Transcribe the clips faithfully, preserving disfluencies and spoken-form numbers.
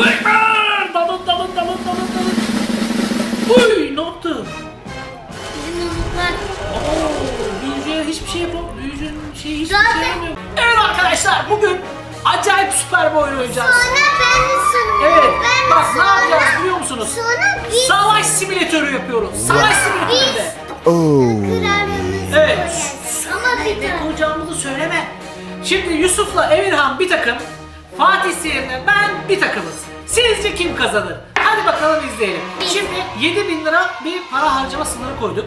Ekber! Dalın dalın dalın dalın dalın. Uy ne yaptı? Bizim yumruklar. Oo, büyücüye hiçbir şey yapamıyor. Büyücünün şeyi hiçbir Zaten- şey yapamıyor. Evet arkadaşlar bugün acayip süper bir oyun oynayacağız. Sonra ben de sonra. Evet. Ben de Bak ne sonra. yapacağız biliyor musunuz? Sonra biz Savaş simülatörü yapıyoruz. Savaş simülatöründe. kralımızı Evet. koyarız. Ama bir Ne tane. koyacağımızı söyleme. Şimdi Yusuf'la Emirhan bir takım. Fatih Seyir'le ben bir takımız. Sizce kim kazanır? Hadi bakalım izleyelim. Şimdi yedi bin lira bir para harcama sınırı koyduk.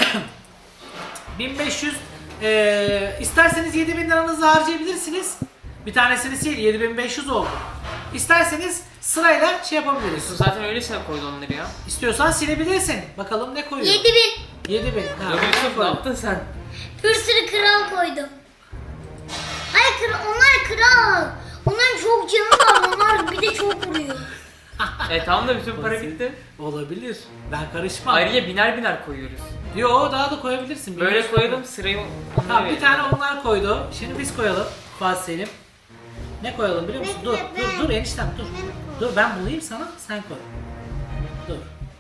bin beş yüz eee isterseniz yedi bin liranızı harcayabilirsiniz. Bir tanesini sil, yedi bin beş yüz oldu. İsterseniz sırayla şey yapabiliriz. Zaten öylesine koydu onları ya. İstiyorsan silebilirsin. Bakalım ne koyuyor? Yedi bin. yedi bin. Ha, Ya Yusuf ne koyduk. yaptın sen? Bir sürü kral koydum. Hayır kral, onlar kral. Onların çok canı var. Onlar bir de çok vuruyor. E tamam da bütün para gitti. Olabilir. Ben karışmam. Ayrıca biner biner koyuyoruz. Yo daha da koyabilirsin. Böyle Bilmiyorum. koyalım sırayı onlara Ha, bir verelim. tane onlar koydu. Şimdi biz koyalım. Fatih Selim. Ne koyalım biliyor musun? Bekle, Dur, ben- dur, dur eniştem dur. Dur ben bulayım sana, sen koy. Dur.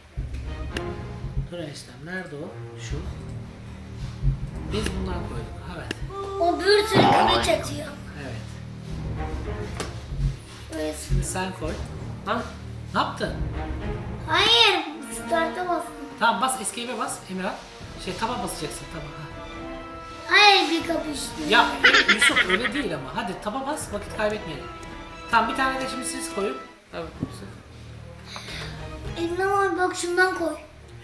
Dur eniştem, nerede o? Şu. Biz bundan koyduk, evet. O bir sürü kılıç atıyor. Evet. Böyle- Şimdi sen koy. Lan Ne yaptın? Hayır. Start'a bastım. Tamam bas, escape'e bas Emirhan. Şey taba basacaksın, taba. Ha. Hayır bir kapıştı. Ya Yusuf öyle değil ama. Hadi taba bas, vakit kaybetmeyelim. Tamam bir tane de şimdi siz koyun. tabii Yusuf. Eline var bak şundan koy.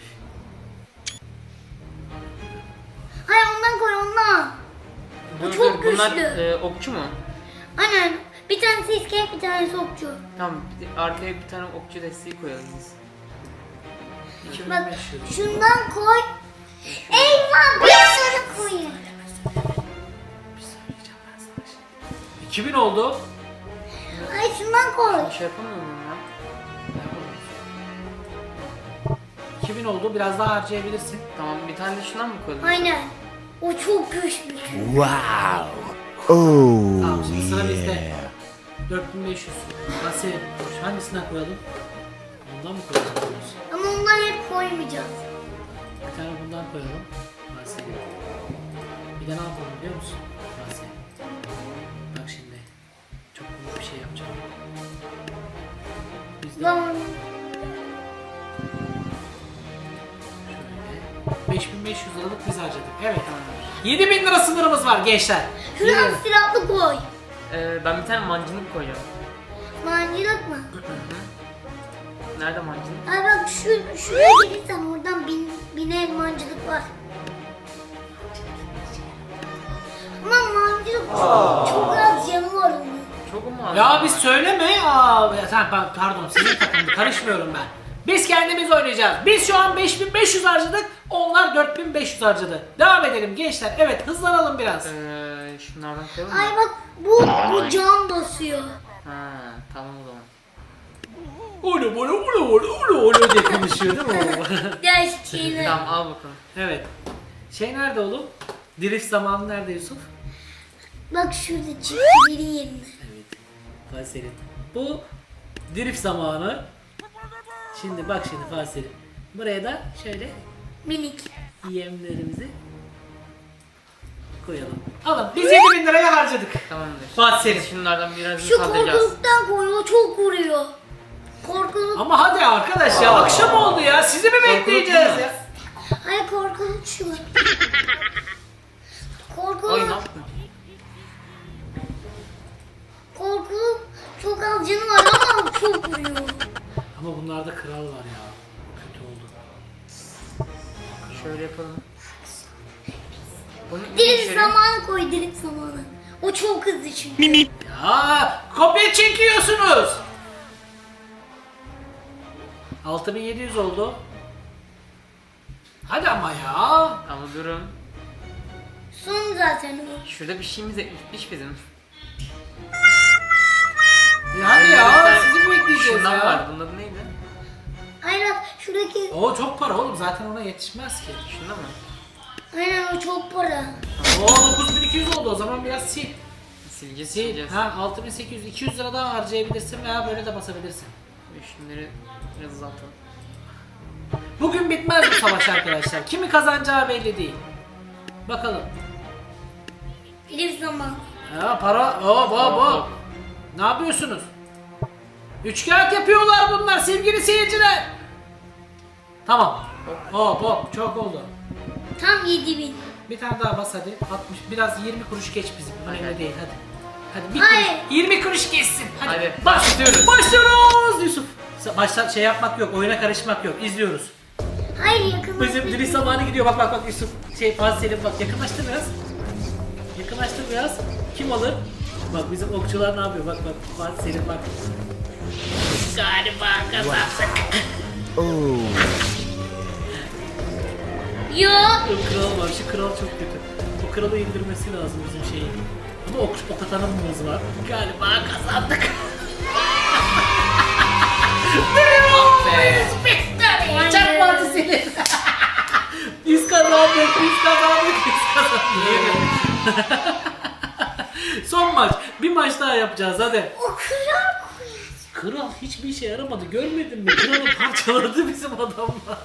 Hayır ondan koy ondan. Bu Dur, çok dur, bunlar, güçlü. e, okçu mu? Aynen. Bir tanesi iskelet bir tanesi okçu. Tamam bir de arkaya bir tane okçu desteği koyalım biz. iki bin Bak beş yüz. şundan koy. Eyvah bir sürü koyun. Bir söyleyeceğim ben sana şimdi. iki bin oldu. Hayır şundan koy. Bir şey yapamıyor muyum ya? iki bin oldu. Biraz daha harcayabilirsin. Tamam bir tane de şundan mı koyalım? Aynen. O çok güçlü. Wow. Oh Tamam şimdi sıra bizde. yeah. dört bin beş yüz. Nasıl? Hangisinden koyalım? Ondan mı koyalım? Ama ondan hep koymayacağız. Bir tane bundan koyalım. Nasıl? Bir de ne yapalım biliyor musun? Nasıl? Bak şimdi. Çok komik bir şey yapacağım. Biz de Lan şöyle beş bin beş yüz liralık biz harcadık. Evet. yedi bin lira sınırımız var gençler. şuradan Yedi bin. silahlı koy. Ee, ben bir tane mancınık koyacağım. Mancılık mı? Nerede mancınık? Ay bak şu şuraya gelirsen oradan bin, bine mancılık var. Ama mancılık çok, çok az canı var onun. Çok mu az? Ya biz söyleme. Aa, ya sen pa- pardon senin takımda karışmıyorum ben. Biz kendimiz oynayacağız. Biz şu an beş bin beş yüz harcadık. Onlar dört bin beş yüz harcadı. Devam edelim gençler. Evet hızlanalım biraz. Ee, şunlardan koyalım mı? Ay bak bu bu can basıyor. Ha tamam o zaman. Ulu ulu ulu ulu ulu ulu diye konuşuyor değil mi o? Gerçeğini. Tamam al bakalım. Evet. Şey nerede oğlum? Drift zamanı nerede Yusuf? Bak şurada çift biri yerine. Evet. Fatih Selim. Bu drift zamanı. Şimdi bak şimdi Fatih Selim. Buraya da şöyle Minik. yemlerimizi koyalım. Alın biz yedi bin liraya harcadık. Tamamdır. Fatih Selim. Biz şunlardan birazını Şu saldıracağız. korkuluktan koy o çok vuruyor. Korkuluk. Ama hadi arkadaş ya akşam oldu ya. Sizi mi bekleyeceğiz ya? Ay korkuluk şu. Ay ne Korkuluk. yaptın? Korkuluk çok az canı var ama çok vuruyor. Ama bunlarda kral var ya. Kötü oldu. Şöyle yapalım. Bunu Direkt zamanı koy direkt zamanı. O çok hızlı çünkü. Ya kopya çekiyorsunuz. altı bin yedi yüz oldu. Hadi ama ya. Ama durun. Son zaten o. Şurada bir şeyimiz ekmiş bizim. Ya hadi ya. Sizi bekleyeceğiz Şundan ya. var. Bunun adı neydi? Aynen şuradaki. O çok para oğlum. Zaten ona yetişmez ki. Şunda mı? Aynen o çok para. O dokuz bin iki yüz oldu. O zaman biraz sil. Sileceğiz Sil. sileceğiz. Ha altı bin sekiz yüz iki yüz lira daha harcayabilirsin veya böyle de basabilirsin. Şunları biraz azaltalım. Bugün bitmez bu savaş arkadaşlar. Kimi kazanacağı belli değil. Bakalım. Bir zaman. Ya para hop hop hop. Ne yapıyorsunuz? Üçkağıt yapıyorlar bunlar sevgili seyirciler. Tamam. Hop hop çok oldu. Tam yedi bin. Bir tane daha bas hadi. altmış biraz yirmi kuruş geç bizim. Önemli Hadi. değil hadi. Hadi bir Hayır. kuruş, yirmi kuruş geçsin. Hadi. Hadi, Başlıyoruz. başlıyoruz. Başlıyoruz Yusuf. Başta şey yapmak yok, oyuna karışmak yok. İzliyoruz. Hayır yakın. Bizim dili zamanı gidiyor. Bak bak bak Yusuf. Şey Fatih Selim bak yakınlaştır biraz. Yakınlaştır biraz. Kim alır? Bak bizim okçular ne yapıyor? Bak bak Fatih Selim bak. Galiba kazandık. Oh. Yo. O kral var. Şu kral çok kötü. O kralı indirmesi lazım bizim şeyi. Ama ok, ok atanımız var. Galiba kazandık. Be. Aynen. Çak Fatih Selim. Biz kazandık, biz kazandık, biz kazandık. Son maç. Bir maç daha yapacağız hadi. O kral koyuyor. Kral hiçbir işe yaramadı. Görmedin mi? Kralı parçaladı bizim adamlar.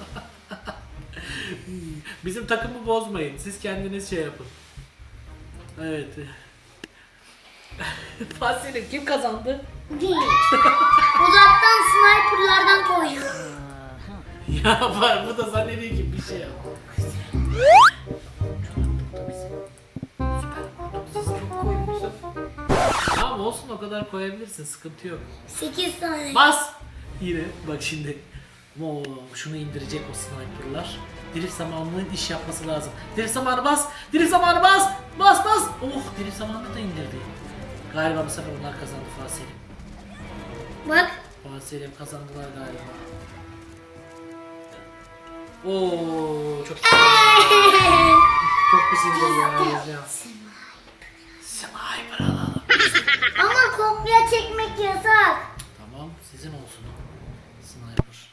Bizim takımı bozmayın. Siz kendiniz şey yapın. Evet. Fatih Selim kim kazandı? Değil. Uzaktan sniperlardan koyuyor. Ya var bu da zannediyor ki bir şey yap. Tamam olsun o kadar koyabilirsin sıkıntı yok. sekiz tane. Bas! Yine bak şimdi. Oo, şunu indirecek o sniperlar. Drift zamanının iş yapması lazım. Drift zamanı bas! Drift zamanı bas! Bas bas! Oh drift zamanını da indirdi. Galiba bu sefer onlar kazandı Fatih Selim. Bak. Fatih Selim kazandılar galiba. Oo çok çok pis indirdi ya. Sniper alalım. Ama kopya çekmek yasak. Tamam sizin olsun o. Sniper.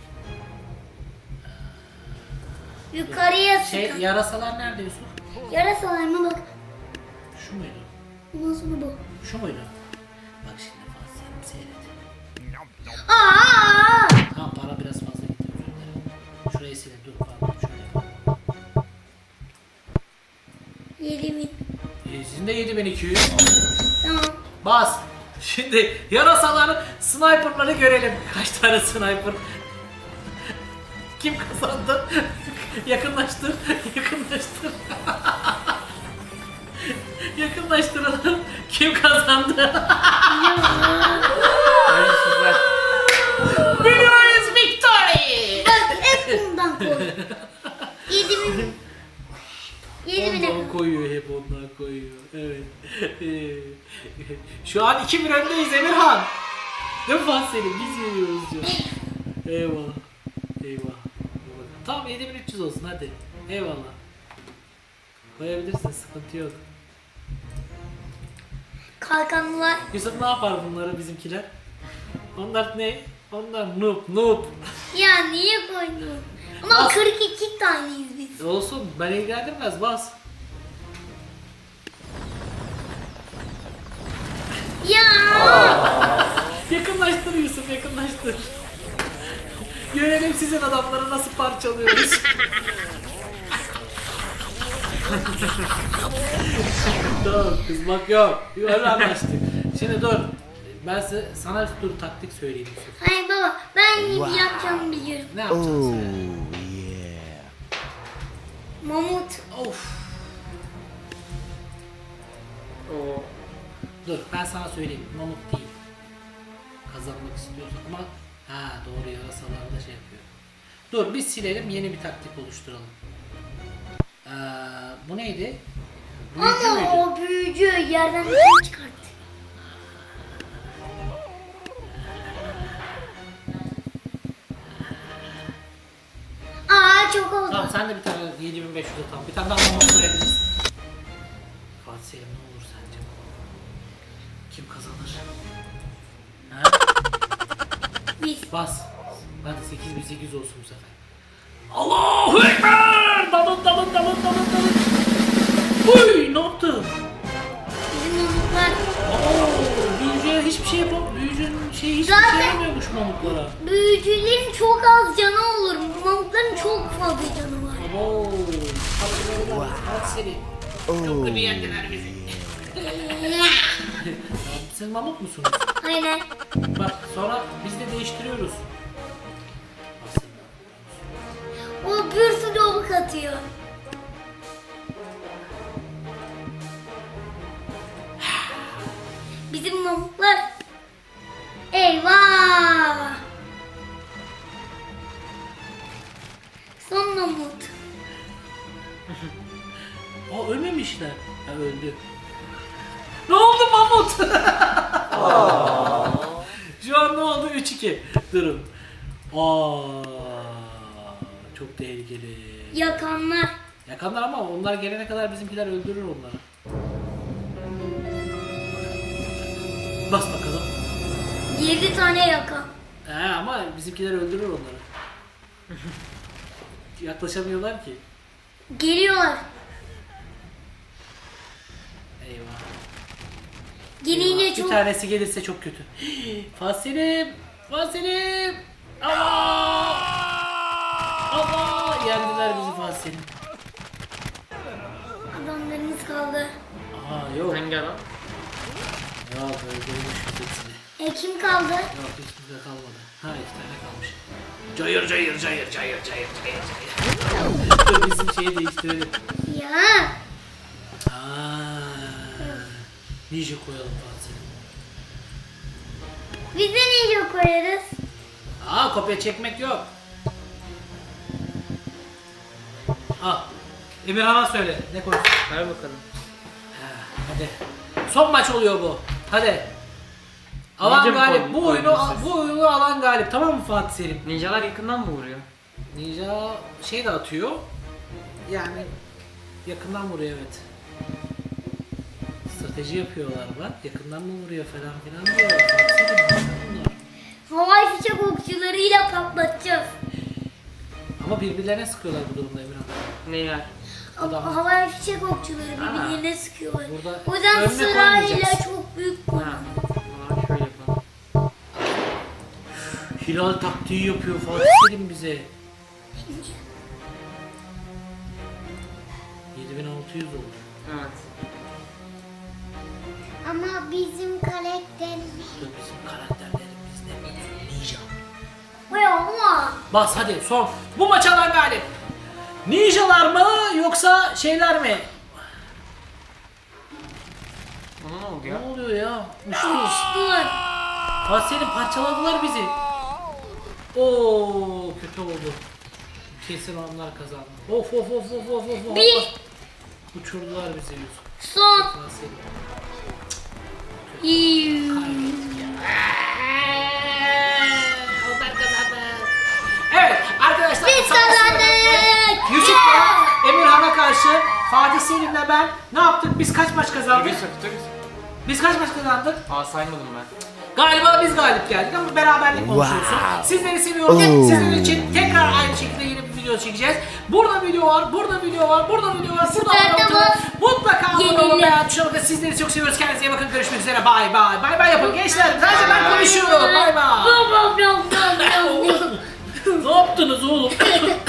Yukarıya Şey sıkın. yarasalar nerede Yusuf? Yarasalarına bak. Şu muydu? Ondan sonra bu. Şu muydu? Bak şimdi Fatih Selim seyret. Aa! Tamam para biraz fazla gitti özür dilerim. Şurayı silin dur pardon şöyle yapalım. yedi bin. Ee, sizin de yedi bin iki yüz. Tamam. Bas. Şimdi yarasaları, sniperları görelim. Kaç tane sniper? Kim kazandı? Yakınlaştır, yakınlaştır. Yakınlaştıralım. Kim kazandı? Hayırsızlar. Winners victory! Bak hep bundan koy. yedi bin. yedi bine Ondan koy. koyuyor, hep ondan koyuyor. Evet. Ee, Şu an iki bir öndeyiz Emirhan. Değil mi Fatih Selim? Biz yeniyoruz diyor. Eyvallah. Eyvallah. Tamam yedi bin üç yüz olsun hadi. Eyvallah. Koyabilirsin sıkıntı yok. Kalkanlılar. Yusuf ne yapar bunları bizimkiler? Onlar ne? Onlar noob noob. Ya niye koydun? Ama Bas. kırk iki taneyiz biz. Olsun ben ilgilendirmez bas. Ya. Yakınlaştır Yusuf yakınlaştır. Görelim sizin adamları nasıl parçalıyoruz. Tamam kızmak yok. Öyle anlaştık. Şimdi dur. Ben size, sana dur taktik söyleyeyim Yusuf. Hayır baba ben iyi yapacağımı biliyorum. Ne yapacaksın Oh, sen? yeah. Mamut. Of. Oo. Dur ben sana söyleyeyim. Mamut değil. Kazanmak istiyorsun ama ha doğru yarasalar da şey yapıyor. Dur biz silelim yeni bir taktik oluşturalım. Ee, bu neydi? Büyücü Ama müydü? o büyücü yerden bir şey çıkarttı. Aa çok oldu. Tamam sen de bir tane yedi bin beş yüze tamam. Bir tane daha mamut koyabilirsin. Fatih Selim ne olur sence? Kim kazanır? Ha? Biz. Bas. Hadi sekiz bin sekiz yüz olsun bu sefer. Allahu Ekber! Dalın dalın dalın dalın dalın. Uy ne yaptın? Bizim mamutlar hiçbir şey yapamıyor. Büyücünün şeyi hiçbir Zaten- şey yapamıyormuş mamutlara. Büyücülerin çok az canı olur. Mamutların çok fazla canı var. Oo. Hadi hadi seni. Çok kötü yendiler bizi. Siz mamut musunuz? Aynen. Bak sonra biz de değiştiriyoruz. O bir sürü ok atıyor. Bizim mamutlar. Eyvah. Son mamut. Aa ölmemişler. Ha öldü. Ne oldu mamut? Şu an ne oldu? üç iki. Durun. Aa, çok tehlikeli. Yakanlar. Yakanlar ama onlar gelene kadar bizimkiler öldürür onları. Bas bakalım. Yedi tane yakan. He ama bizimkiler öldürür onları. Yaklaşamıyorlar ki. Geliyorlar. Eyvah. Gelince Bir çok... tanesi gelirse çok kötü. Fasilim! Fasilim! Allah! Allah! Yendiler bizi Fasilim. Adamlarımız kaldı. Aa yok. Hangi adam? Yok öldürmüş hepsini. E kim kaldı? Yok hiç kimse kalmadı. Ha iki tane kalmış. Cayır cayır cayır cayır cayır cayır cayır. Dur bizim şeyi değiştirelim. Ya. Aa, ninja koyalım Fasilim. Biz de ninja koyarız. Aa kopya çekmek yok. Al. Emirhan'a söyle. Ne koysun? Ver bakalım. Ha, hadi. Son maç oluyor bu. Hadi. Alan Ninja mı galip. koydun- Bu oyunu koydun bu oyunu alan galip. Tamam mı Fatih Selim? Ninjalar yakından mı vuruyor? Ninja şey de atıyor. Yani yakından vuruyor evet. Strateji yapıyorlar bak. Yakından mı vuruyor falan filan diyor. Fatih Selim ne bunlar? Havai fişek okçularıyla patlatacağız. Ama birbirlerine sıkıyorlar bu durumda Emirhan. Neler? Adam. Ama havai fişek okçuları birbirlerine sıkıyorlar. Burada O yüzden önüne sırayla koymayacaksın. çok büyük Ha. koyalım. O zaman şöyle yapalım. Hilal taktiği yapıyor Fatih Selim bize. yedi bin altı yüz oldu. Evet. Ama bizim karakterimiz... Dur bizim karakterlerimiz ne? Ninja. Vay ama. Bas hadi son. Bu maç alan galip. Ninjalar mı yoksa şeyler mi? Ona ne oldu Ne ya? oluyor ya? Uçtu. Uçtular. Fatih Selim parçaladılar bizi. Oo kötü oldu. Kesin onlar kazandı. Of of of of of of. Bir. Uçurdular bizi Yusuf. Son. Fatih Selim. İyi. Onlar kazandı. Evet arkadaşlar. Biz kazandık. Yusuf'la Emirhan'a karşı Fatih Selim'le ben ne yaptık? Biz kaç maç kazandık? Bir sakatırız. Biz kaç maç kazandık? Aa saymadım ben. Galiba biz galip geldik ama beraberlik oluşuyorsun. Wow. Sizleri seviyoruz. Oo. Sizin için tekrar aynı şekilde yeni bir video çekeceğiz. Burada video var, burada video var, burada video var, burada Süper, abone tamam. olun. Mutlaka abone olun, Yeniyle. beğen tuşuna bakın. Sizleri çok seviyoruz. Kendinize iyi bakın. Görüşmek üzere. Bay bay. Bay bay yapın gençler. Sadece ben konuşuyorum. Bay bay. Bam bam bam bam bam. Ne yaptınız oğlum?